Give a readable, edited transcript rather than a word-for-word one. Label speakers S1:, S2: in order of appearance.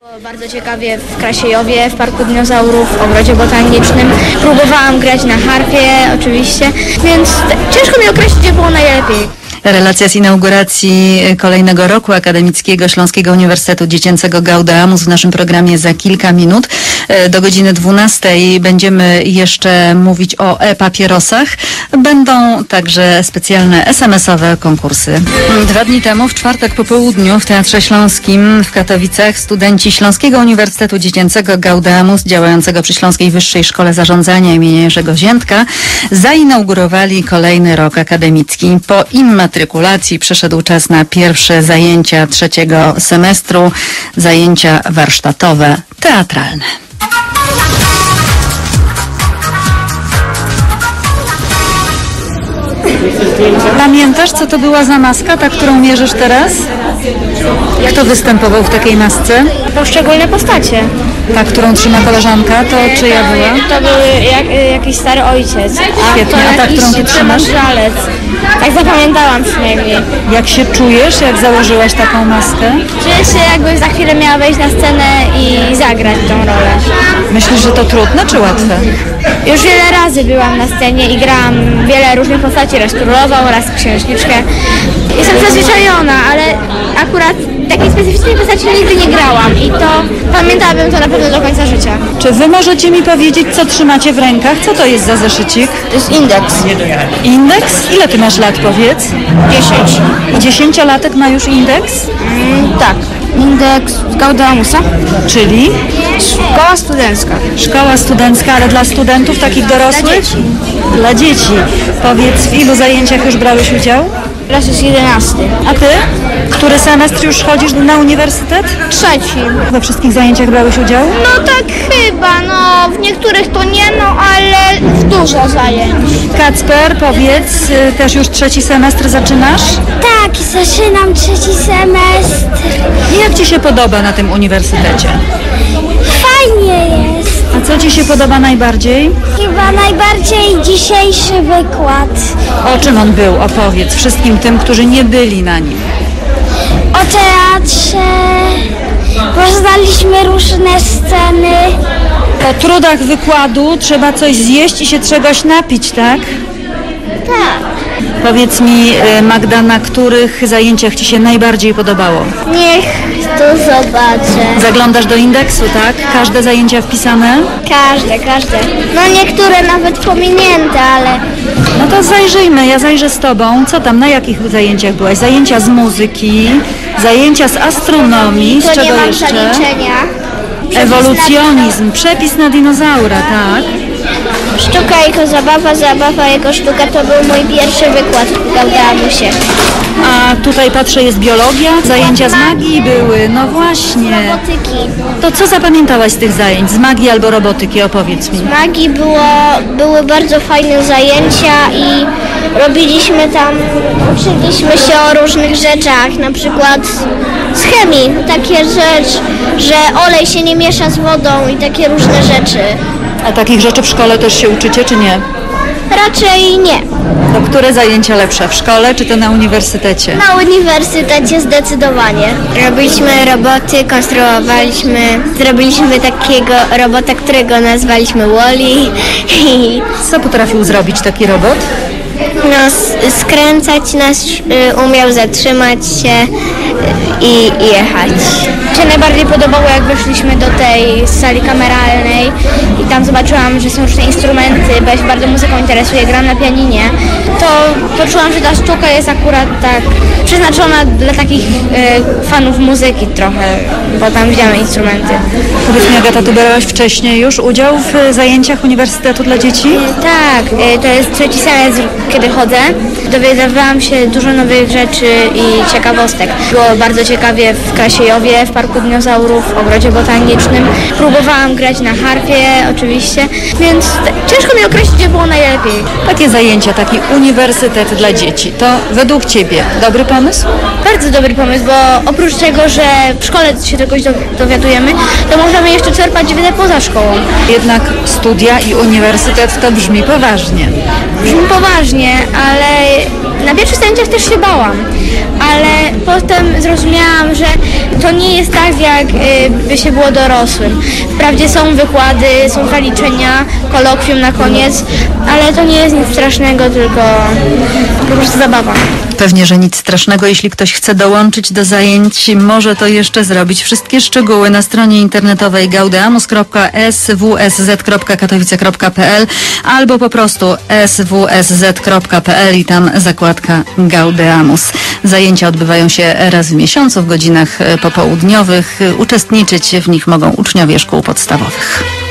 S1: Bardzo ciekawie w Krasiejowie, w Parku Dinozaurów, w Ogrodzie Botanicznym. Próbowałam grać na harfie oczywiście, więc ciężko mi określić, gdzie było najlepiej.
S2: Relacja z inauguracji kolejnego roku akademickiego Śląskiego Uniwersytetu Dziecięcego Gaudeamus w naszym programie za kilka minut. Do godziny 12 będziemy jeszcze mówić o e-papierosach. Będą także specjalne SMS-owe konkursy. 2 dni temu, w czwartek po południu w Teatrze Śląskim w Katowicach studenci Śląskiego Uniwersytetu Dziecięcego Gaudeamus działającego przy Śląskiej Wyższej Szkole Zarządzania im. Jerzego Ziętka zainaugurowali kolejny rok akademicki. Po immatrykulacji przyszedł czas na pierwsze zajęcia trzeciego semestru, zajęcia warsztatowe, teatralne. Pamiętasz, co to była za maska, ta, którą mierzysz teraz? Kto występował w takiej masce?
S1: Poszczególne postacie.
S2: Ta, którą trzyma koleżanka, to czyja była?
S1: To był jakiś stary ojciec.
S2: Świetnie, a ta, którą ty trzymasz?
S1: Żalec. Tak zapamiętałam przynajmniej.
S2: Jak się czujesz, jak założyłaś taką maskę?
S1: Czuję się, jakbym za chwilę miała wejść na scenę i zagrać tą rolę.
S2: Myślisz, że to trudne czy łatwe?
S1: Już wiele razy byłam na scenie i grałam wiele różnych postaci, raz królową, raz księżniczkę. Jestem przyzwyczajona, ale akurat takiej specyficznej postaci nigdy nie grałam i to pamiętałabym to na pewno do końca życia.
S2: Czy wy możecie mi powiedzieć, co trzymacie w rękach? Co to jest za zeszycik?
S1: To jest indeks.
S2: Indeks? Ile ty masz lat, powiedz?
S1: 10.
S2: 10-latek ma już indeks?
S1: Tak. Indeks Gaudeamusa.
S2: Czyli?
S1: Szkoła studencka.
S2: Szkoła studencka, ale dla studentów takich dorosłych?
S1: Dla dzieci.
S2: Dla dzieci. Powiedz, w ilu zajęciach już brałeś udział?
S1: Teraz jest 11.
S2: A ty? Który semestr już chodzisz na uniwersytet?
S1: 3.
S2: We wszystkich zajęciach brałeś udział?
S1: No tak chyba, no w niektórych to nie, no ale w dużo zajęć.
S2: Kacper, powiedz, też już 3. semestr zaczynasz?
S1: Tak, zaczynam 3. semestr.
S2: Jak ci się podoba na tym uniwersytecie?
S1: Fajnie jest.
S2: A co ci się podoba najbardziej?
S1: Chyba najbardziej dzisiejszy wykład.
S2: O czym on był? Opowiedz wszystkim tym, którzy nie byli na nim.
S1: O teatrze. Poznaliśmy różne sceny.
S2: Po trudach wykładu trzeba coś zjeść i się czegoś napić, tak?
S1: Tak.
S2: Powiedz mi, Magda, na których zajęciach ci się najbardziej podobało?
S1: Niech to zobaczę.
S2: Zaglądasz do indeksu, tak? Każde zajęcia wpisane?
S1: Każde. No niektóre nawet pominięte, ale...
S2: No to zajrzyjmy, ja zajrzę z tobą. Co tam, na jakich zajęciach byłaś? Zajęcia z muzyki, zajęcia z astronomii, z
S1: To
S2: czego
S1: nie mam
S2: jeszcze?
S1: zaliczenia.
S2: Ewolucjonizm, przepis na dinozaura, tak?
S1: Sztuka jako zabawa jako sztuka to był mój pierwszy wykład w Gaudeamusie.
S2: A tutaj patrzę, jest biologia, zajęcia z magii były, no właśnie.
S1: Robotyki.
S2: To co zapamiętałaś z tych zajęć, z magii albo robotyki, opowiedz mi.
S1: Z magii były bardzo fajne zajęcia i uczyliśmy się o różnych rzeczach, na przykład z chemii, takie rzeczy, że olej się nie miesza z wodą i takie różne rzeczy.
S2: A takich rzeczy w szkole też się uczycie, czy nie?
S1: Raczej nie.
S2: To które zajęcia lepsze, w szkole czy to na uniwersytecie?
S1: Na uniwersytecie zdecydowanie. Robiliśmy roboty, zrobiliśmy takiego robota, którego nazwaliśmy Wall-E.
S2: Co potrafił zrobić taki robot?
S1: No, skręcać nas, umiał zatrzymać się i jechać. Mi się najbardziej podobało, jak weszliśmy do tej sali kameralnej i tam zobaczyłam, że są różne instrumenty, bo ja się bardzo muzyką interesuję, gram na pianinie, to poczułam, że ta sztuka jest akurat tak przeznaczona dla takich fanów muzyki trochę, bo tam widziałam instrumenty.
S2: Powiedz mi, Agata, ty brałaś wcześniej już udział w zajęciach uniwersytetu dla dzieci?
S1: Tak, to jest 3. semestr, kiedy chodzę. Dowiadywałam się dużo nowych rzeczy i ciekawostek. Było bardzo ciekawie w Krasiejowie, w Parku Dinozaurów, w Ogrodzie Botanicznym. Próbowałam grać na harfie oczywiście, więc ciężko mi określić, gdzie było najlepiej.
S2: Takie zajęcia, taki uniwersytet dla dzieci, to według ciebie dobry pomysł?
S1: Bardzo dobry pomysł, bo oprócz tego, że w szkole się czegoś dowiadujemy, to możemy jeszcze czerpać wiedzę poza szkołą.
S2: Jednak studia i uniwersytet to brzmi poważnie.
S1: Brzmi poważnie, ale na pierwszych zajęciach też się bałam, ale potem zrozumiałam, że to nie jest tak, jak by się było dorosłym. Wprawdzie są wykłady, są zaliczenia, kolokwium na koniec, ale to nie jest nic strasznego, tylko po prostu zabawa.
S2: Pewnie, że nic strasznego. Jeśli ktoś chce dołączyć do zajęć, może to jeszcze zrobić. Wszystkie szczegóły na stronie internetowej gaudeamus.swsz.katowice.pl albo po prostu swsz.pl i tam zakładka Gaudeamus. Zajęcia odbywają się raz w miesiącu w godzinach popołudniowych. Uczestniczyć w nich mogą uczniowie szkół podstawowych.